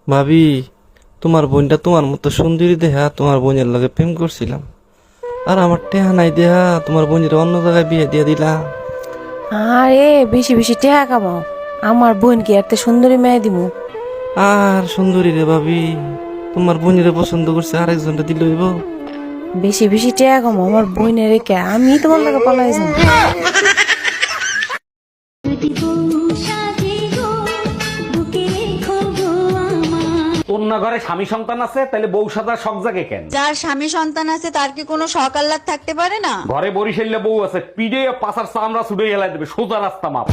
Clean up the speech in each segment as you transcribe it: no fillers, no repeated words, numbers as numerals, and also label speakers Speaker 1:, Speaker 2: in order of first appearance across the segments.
Speaker 1: ভাবি, তোমার বোনটা তোমার মতো সুন্দরী দেহা তোমার বোনের লগে প্রেম করছিলাম, আর আমার টেহা নাই দেহা তোমার বোনের অন্য জায়গায় বিয়ে দিয়ে দিলাম।
Speaker 2: আরে বেশি বেশি টাকা কামাও, আমার বোনকে একটা সুন্দরী মেয়ে দিমু।
Speaker 1: আর সুন্দরী রে ভাবি, তোমার বোনের পছন্দ করছে আরেকজনটা দিল হইব।
Speaker 2: বেশি বেশি টাকা কামাও, আমার বোনের রেখে আমি তোমার লাগে পালাই যাবো।
Speaker 3: তোর না ঘরে স্বামী সন্তান আছে, তাহলে বউ সাজার শখ জাগে কেন?
Speaker 4: যার স্বামী সন্তান আছে তার কি কোনো শখ আহ্লাদ থাকতে পারে না?
Speaker 3: ঘরে বরিশাল্লা বউ আছে, পিড়ে পাশার চামড়া ছুড়ে এলাই দেবে, সোজা রাস্তা মাপ।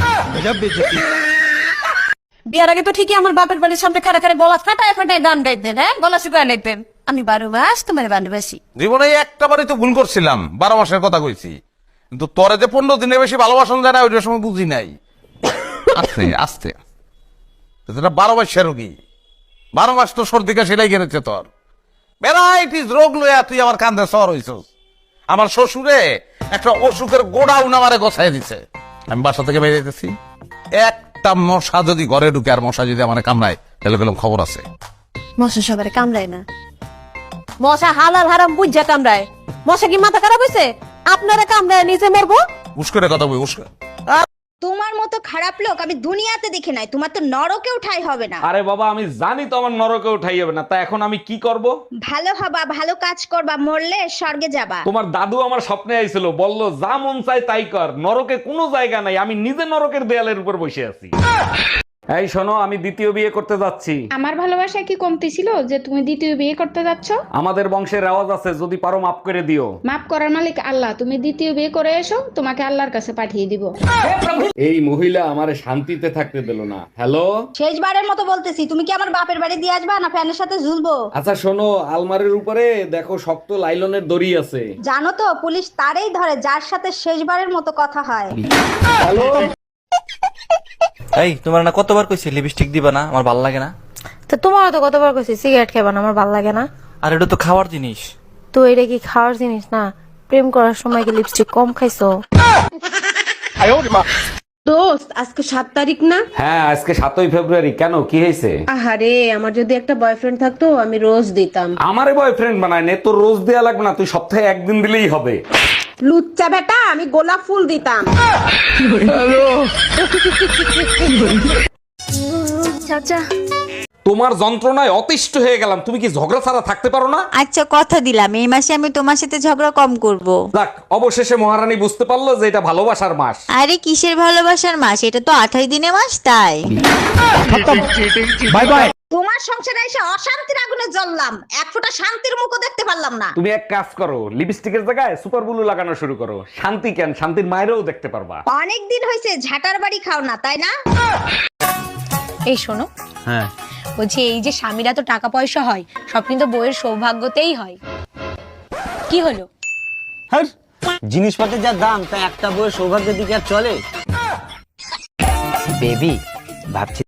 Speaker 2: বিয়ার আগে তো ঠিকই আমার বাপের বাড়ির সামনে খাড়া খাড়া গলা ফাটায় ফাটায় গান গাইতেন, হ্যাঁ গলা শুকায় লাইতেন। আমি 12 মাস তোমার বান্ধবাসী।
Speaker 5: জীবনে একটা বারই তো ভুল করছিলাম, 12 মাসের কথা কইছি, কিন্তু তোরে যে 15 দিনের বেশি ভালোবাসন যায় না ওইটার সময় বুঝি নাই। আস্তে আস্তে 12 মাসের রোগী, 12 মাস তো সর্দি কাশি লেগে গেছে তোর, ভ্যারাইটিস রোগ লইয়া তুই আমার কান্দে সর হইছস। আমার শ্বশুরে একটা অসুখের গোডাউন আমারে গোছাই দিছে। আমি বাসা থেকে বেরিয়ে যেতেছি, একটা মশা যদি ঘরে ঢুকে আর মশা যদি আমার কামড়ায় তাহলে গেলাম খবর আছে।
Speaker 2: মশা সবারে কামড়ায় না, মশা হালাল হারাম বুঝা কামড়ায়। মশা কি মাথা খারাপ হয়েছে? আপনারা কামড়ায় নিজে মরবো।
Speaker 5: উস্করে কথা বই উস্করে।
Speaker 4: তোমার মতো খারাপ লোক আমি দুনিয়াতে দেখি নাই, তোমার তো নরকেও ঠাঁই হবে না।
Speaker 3: আরে বাবা, আমি জানি তো আমার নরকে উঠাই যাবে না, তা এখন আমি কি করব?
Speaker 4: ভালো হবা, ভালো কাজ করবা, মরলে স্বর্গে যাবা।
Speaker 3: তোমার দাদু আমার স্বপ্নে আইছিল, বলল যা মন চাই তাই কর, নরকে কোনো জায়গা নাই, আমি নিজে নরকের দেয়ালের উপর বসে আছি। এই শোনো, আমি দ্বিতীয় বিয়ে করতে যাচ্ছি।
Speaker 6: আমার ভালোবাসা কি কমতি ছিল যে তুমি দ্বিতীয় বিয়ে করতে যাচ্ছ?
Speaker 3: আমাদের বংশের রেওয়াজ আছে, যদি পারো মাফ করে দিও।
Speaker 6: মাফ করার মালিক আল্লাহ, তুমি দ্বিতীয় বিয়ে করে এসো, তোমাকে আল্লাহর কাছে পাঠিয়ে দিব।
Speaker 3: এই মহিলা আমারে শান্তিতে থাকতে দিল না। হ্যালো,
Speaker 4: শেষবারের মতো বলতেছি, তুমি কি আমার বাপের বাড়ি দিয়ে আসবা না ফ্যানের সাথে ঝুলবো?
Speaker 3: আচ্ছা শোনো, আলমারির উপরে দেখো শক্ত লাইলনের দড়ি আছে।
Speaker 4: জানো তো পুলিশ তারেই ধরে যার সাথে শেষবারের মতো কথা হয়।
Speaker 1: এই, তোমার না কতবার কইছি লিপস্টিক দিবা না, আমার ভাল লাগে না।
Speaker 2: তো তোমারও তো কতবার কইছি সিগারেট খাবা না, আমার ভাল লাগে না।
Speaker 1: আর এটা তো খাওয়ার জিনিস।
Speaker 2: তো এটা কি খাওয়ার জিনিস না? প্রেম করার সময় কি লিপস্টিক কম খাইছো?
Speaker 7: দোস্ত আজকে 7 তারিখ না?
Speaker 3: হ্যাঁ, আজকে 7ই ফেব্রুয়ারি। কেন, কি হয়েছে?
Speaker 7: আহারে, আমার যদি একটা বয়ফ্রেন্ড থাকতো আমি রোজ দিতাম।
Speaker 3: আমারে বয়ফ্রেন্ড বানায় নে, তোর রোজ দেয়া লাগবে না, তুই সপ্তাহে একদিন দিলেই হবে।
Speaker 7: লুচ্চা বেটা, আমি গোলাপ ফুল দিতাম।
Speaker 4: চাচা,
Speaker 3: তোমার যন্ত্রণায় অতিষ্ঠ হয়ে গেলাম, তুমি কি ঝগড়া ছাড়া থাকতে পারো না?
Speaker 4: আচ্ছা কথা দিলাম এই মাসে আমি তোমার সাথে ঝগড়া কম করব।
Speaker 3: যাক, অবশেষে মহারানী বুঝতে পারলো যে এটা ভালোবাসার মাস।
Speaker 4: আরে কিসের ভালোবাসার মাস, এটা তো 28 দিনের মাস, তাই।
Speaker 3: Bye bye.
Speaker 4: তোমার সংসারে এসে অশান্তির আগুনে জ্বললাম, এক ফোঁটা শান্তির মুখও দেখতে পারলাম না।
Speaker 3: তুমি এক কাজ করো, লিপস্টিকের জায়গায় সুপার ব্লু লাগানো শুরু করো। শান্তি কেন, শান্তির মায়েরও দেখতে পারবা।
Speaker 4: অনেক দিন হয়েছে ঝাটার বাড়ি খাও না, তাই না?
Speaker 2: এই শোনো,
Speaker 1: হ্যাঁ,
Speaker 2: বলছি এই যে স্বামীরা তো টাকা পয়সা হয়, সব কিন্তু বইয়ের সৌভাগ্যতেই হয়। কি হলো?
Speaker 8: জিনিসপত্রের যা দাম, তা একটা বইয়ের সৌভাগ্যের দিকে আর চলে? বেবি, ভাবছি